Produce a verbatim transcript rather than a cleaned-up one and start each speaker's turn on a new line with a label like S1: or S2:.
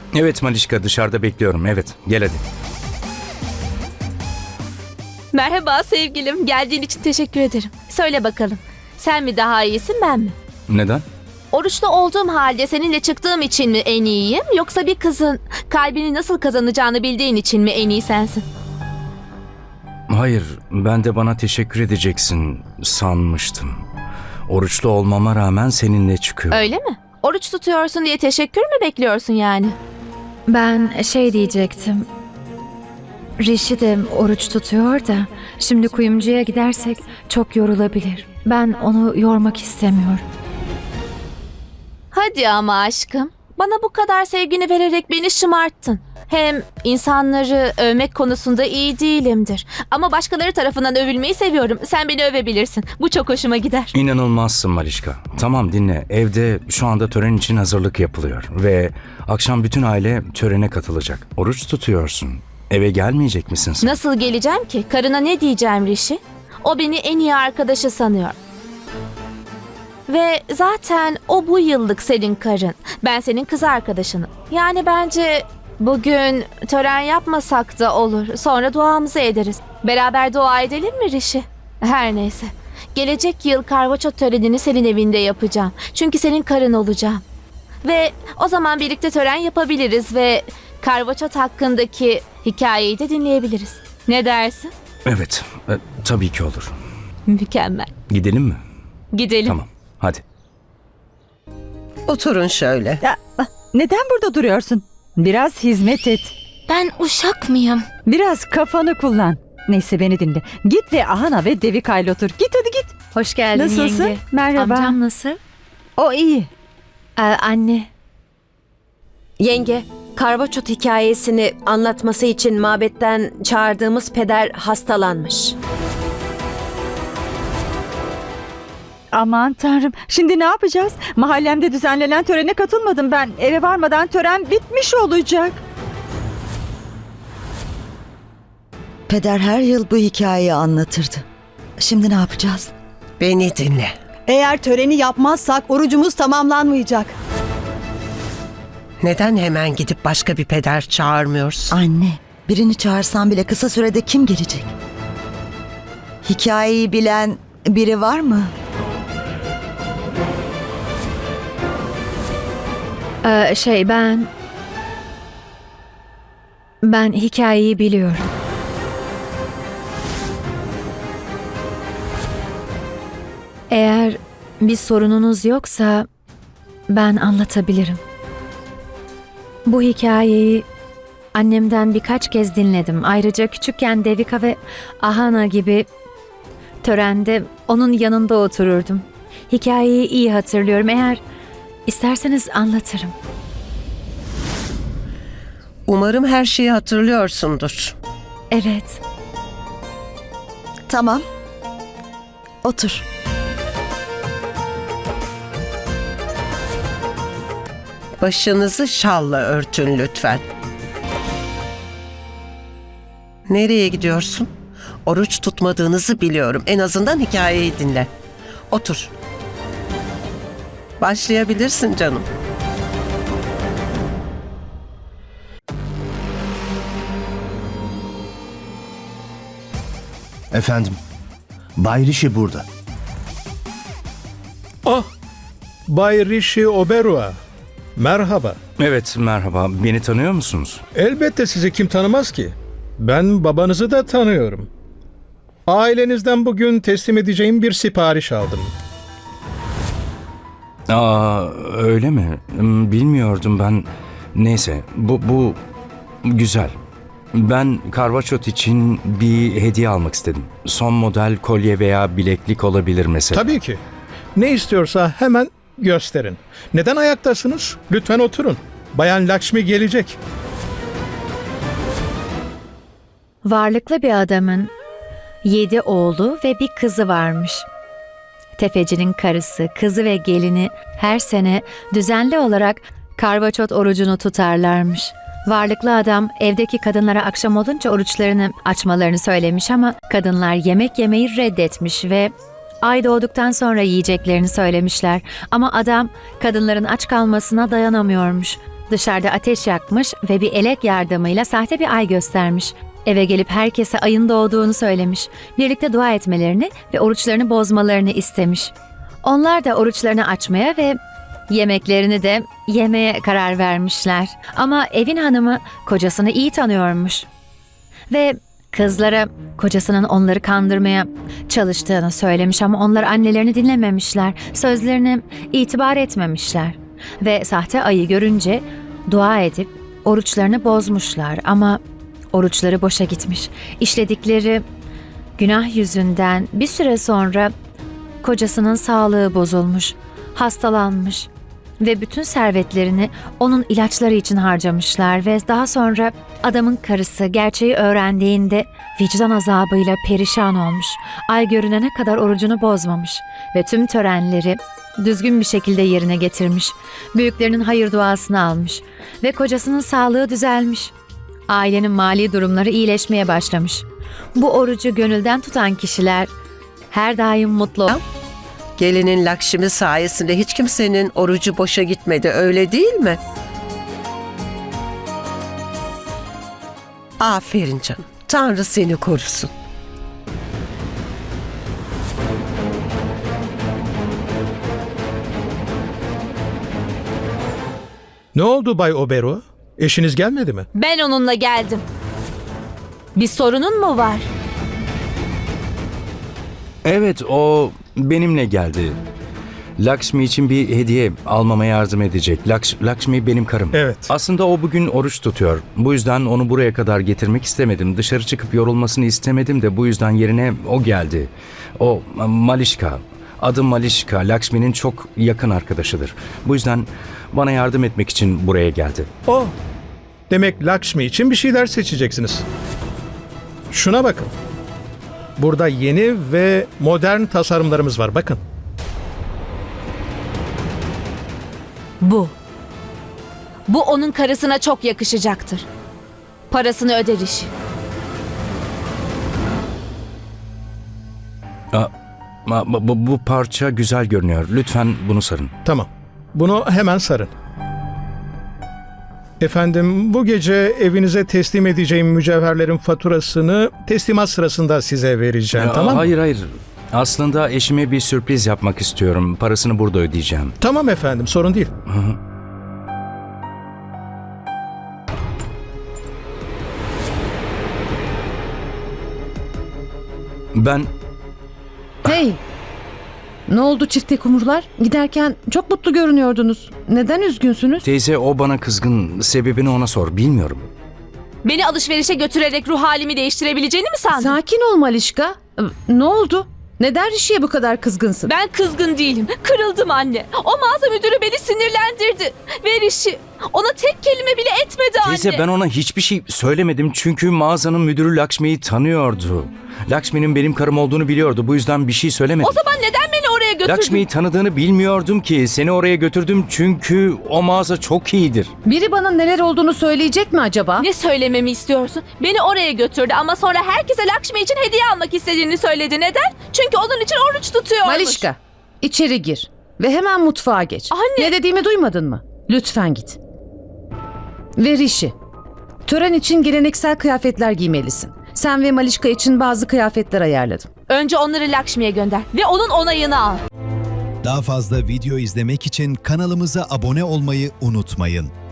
S1: Evet Malişka, dışarıda bekliyorum. Evet, gel hadi.
S2: Merhaba sevgilim. Geldiğin için teşekkür ederim. Söyle bakalım. Sen mi daha iyisin, ben mi?
S1: Neden?
S2: Oruçlu olduğum halde seninle çıktığım için mi en iyiyim? Yoksa bir kızın kalbini nasıl kazanacağını bildiğin için mi en iyi sensin?
S1: Hayır, ben de bana teşekkür edeceksin sanmıştım. Oruçlu olmama rağmen seninle çıkıyorum.
S2: Öyle mi? Oruç tutuyorsun diye teşekkür mü bekliyorsun yani?
S3: Ben şey diyecektim. Rishi de oruç tutuyor da şimdi kuyumcuya gidersek çok yorulabilir. Ben onu yormak istemiyorum.
S2: Hadi ama aşkım. Bana bu kadar sevgini vererek beni şımarttın. Hem insanları övmek konusunda iyi değilimdir. Ama başkaları tarafından övülmeyi seviyorum. Sen beni övebilirsin. Bu çok hoşuma gider.
S1: İnanılmazsın Malişka. Tamam dinle, evde şu anda tören için hazırlık yapılıyor. Ve akşam bütün aile törene katılacak. Oruç tutuyorsun. Eve gelmeyecek misin sen?
S2: Nasıl geleceğim ki? Karına ne diyeceğim Rishi? O beni en iyi arkadaşı sanıyor. Ve zaten o bu yıllık senin karın. Ben senin kız arkadaşınım. Yani bence bugün tören yapmasak da olur. Sonra duamızı ederiz. Beraber dua edelim mi Rishi? Her neyse. Gelecek yıl karvaçot törenini senin evinde yapacağım. Çünkü senin karın olacağım. Ve o zaman birlikte tören yapabiliriz ve karvaçot hakkındaki hikayeyi de dinleyebiliriz. Ne dersin?
S1: Evet, e, tabii ki olur.
S2: Mükemmel.
S1: Gidelim mi?
S2: Gidelim.
S1: Tamam, hadi.
S4: Oturun şöyle.
S5: Ya, neden burada duruyorsun? Biraz hizmet et.
S6: Ben uşak mıyım?
S5: Biraz kafanı kullan. Neyse beni dinle. Git ve Ahana ve Devika ile otur. Git hadi git.
S3: Hoş geldin
S5: Nasılsın?
S3: yenge.
S5: Merhaba.
S3: Amcam nasıl?
S5: O iyi.
S3: Ee, anne.
S7: Yenge, karvaçot hikayesini anlatması için mabetten çağırdığımız peder hastalanmış.
S5: Aman tanrım. Şimdi ne yapacağız? Mahallemde düzenlenen törene katılmadım ben. Eve varmadan tören bitmiş olacak.
S8: Peder her yıl bu hikayeyi anlatırdı. Şimdi ne yapacağız?
S4: Beni dinle.
S9: Eğer töreni yapmazsak orucumuz tamamlanmayacak.
S4: Neden hemen gidip başka bir peder çağırmıyorsun?
S8: Anne, birini çağırsan bile kısa sürede kim gelecek? Hikayeyi bilen biri var mı?
S3: Ee, şey ben... Ben hikayeyi biliyorum. Eğer bir sorununuz yoksa ben anlatabilirim. Bu hikayeyi annemden birkaç kez dinledim. Ayrıca küçükken Devika ve Ahana gibi törende onun yanında otururdum. Hikayeyi iyi hatırlıyorum. Eğer isterseniz anlatırım.
S4: Umarım her şeyi hatırlıyorsundur.
S3: Evet.
S8: Tamam. Otur.
S4: Başınızı şalla örtün lütfen. Nereye gidiyorsun? Oruç tutmadığınızı biliyorum. En azından hikayeyi dinle. Otur. Başlayabilirsin canım.
S10: Efendim, Bay Rishi burada.
S11: Ah, Bay Rishi Oberoi. Merhaba.
S1: Evet, merhaba. Beni tanıyor musunuz?
S11: Elbette sizi kim tanımaz ki? Ben babanızı da tanıyorum. Ailenizden bugün teslim edeceğim bir sipariş aldım.
S1: Aa, öyle mi? Hmm, Bilmiyordum ben. Neyse, bu, bu güzel. Ben karvaçot için bir hediye almak istedim. Son model kolye veya bileklik olabilir mesela.
S11: Tabii ki. Ne istiyorsa hemen gösterin. Neden ayaktasınız? Lütfen oturun. Bayan Lakshmi gelecek.
S3: Varlıklı bir adamın yedi oğlu ve bir kızı varmış. Tefecinin karısı, kızı ve gelini her sene düzenli olarak karvaçot orucunu tutarlarmış. Varlıklı adam evdeki kadınlara akşam olunca oruçlarını açmalarını söylemiş ama kadınlar yemek yemeyi reddetmiş ve ay doğduktan sonra yiyeceklerini söylemişler. Ama adam kadınların aç kalmasına dayanamıyormuş. dışarıda ateş yakmış ve bir elek yardımıyla sahte bir ay göstermiş. Eve gelip herkese ayın doğduğunu söylemiş. Birlikte dua etmelerini ve oruçlarını bozmalarını istemiş. Onlar da oruçlarını açmaya ve yemeklerini de yemeye karar vermişler. Ama evin hanımı kocasını iyi tanıyormuş. Ve kızlara kocasının onları kandırmaya çalıştığını söylemiş ama onlar annelerini dinlememişler. Sözlerine itibar etmemişler. Ve sahte ayı görünce dua edip oruçlarını bozmuşlar ama oruçları boşa gitmiş. İşledikleri günah yüzünden bir süre sonra kocasının sağlığı bozulmuş, hastalanmış ve bütün servetlerini onun ilaçları için harcamışlar ve daha sonra adamın karısı gerçeği öğrendiğinde vicdan azabıyla perişan olmuş. Ay görünene kadar orucunu bozmamış ve tüm törenleri düzgün bir şekilde yerine getirmiş. Büyüklerinin hayır duasını almış ve kocasının sağlığı düzelmiş. Ailenin mali durumları iyileşmeye başlamış. Bu orucu gönülden tutan kişiler her daim mutlu.
S4: Gelinin Lakşmi sayesinde hiç kimsenin orucu boşa gitmedi, öyle değil mi? Aferin canım. Tanrı seni korusun.
S11: Ne oldu Bay Obero? Eşiniz gelmedi mi?
S2: Ben onunla geldim. Bir sorunun mu var?
S1: Evet, o benimle geldi. Lakshmi için bir hediye almama yardım edecek. Laks Lakshmi benim karım.
S11: Evet.
S1: Aslında o bugün oruç tutuyor. Bu yüzden onu buraya kadar getirmek istemedim. Dışarı çıkıp yorulmasını istemedim de bu yüzden yerine o geldi. O Malişka. Adı Malişka. Lakshmi'nin çok yakın arkadaşıdır. Bu yüzden bana yardım etmek için buraya geldi.
S11: O. Demek Lakshmi için bir şeyler seçeceksiniz. Şuna bakın. Burada yeni ve modern tasarımlarımız var. Bakın.
S2: Bu. Bu onun karısına çok yakışacaktır. Parasını öder işi.
S1: Aa, bu, bu, bu parça güzel görünüyor. Lütfen bunu sarın.
S11: Tamam. Bunu hemen sarın. Efendim, bu gece evinize teslim edeceğim mücevherlerin faturasını teslimat sırasında size vereceğim,
S1: Aa,
S11: tamam mı?
S1: Hayır hayır. Aslında eşime bir sürpriz yapmak istiyorum. Parasını burada ödeyeceğim.
S11: Tamam efendim, sorun değil.
S1: Hı hı. Ben
S12: Hey! Ne oldu çifte kumrular? Giderken çok mutlu görünüyordunuz. Neden üzgünsünüz?
S1: teyze, o bana kızgın. Sebebini ona sor. Bilmiyorum.
S2: Beni alışverişe götürerek ruh halimi değiştirebileceğini mi sandın?
S12: Sakin ol Malişka. Ne oldu? Neden Rişi'ye bu kadar kızgınsın?
S2: Ben kızgın değilim. Kırıldım anne. O mağaza müdürü beni sinirlendirdi. Ve Rişi ona tek kelime bile etmedi anne.
S1: Teyze, ben ona hiçbir şey söylemedim çünkü mağazanın müdürü Lakshmi'yi tanıyordu. Lakshmi'nin benim karım olduğunu biliyordu. Bu yüzden bir şey söylemedim.
S2: O zaman neden beni oraya götürdün?
S1: Lakshmi'yi tanıdığını bilmiyordum ki. Seni oraya götürdüm çünkü o mağaza çok iyidir.
S12: Biri bana neler olduğunu söyleyecek mi acaba?
S2: Ne söylememi istiyorsun? Beni oraya götürdü ama sonra herkese Lakshmi için hediye almak istediğini söyledi. Neden? Çünkü onun için oruç tutuyormuş.
S12: Malişka, içeri gir ve hemen mutfağa geç.
S2: Anne!
S12: Ne dediğimi duymadın mı? Lütfen git. Ve Rişi, tören için geleneksel kıyafetler giymelisin. Sen ve Malişka için bazı kıyafetler ayarladım.
S2: Önce onları Lakshmi'ye gönder ve onun onayını al.
S13: Daha fazla video izlemek için kanalımıza abone olmayı unutmayın.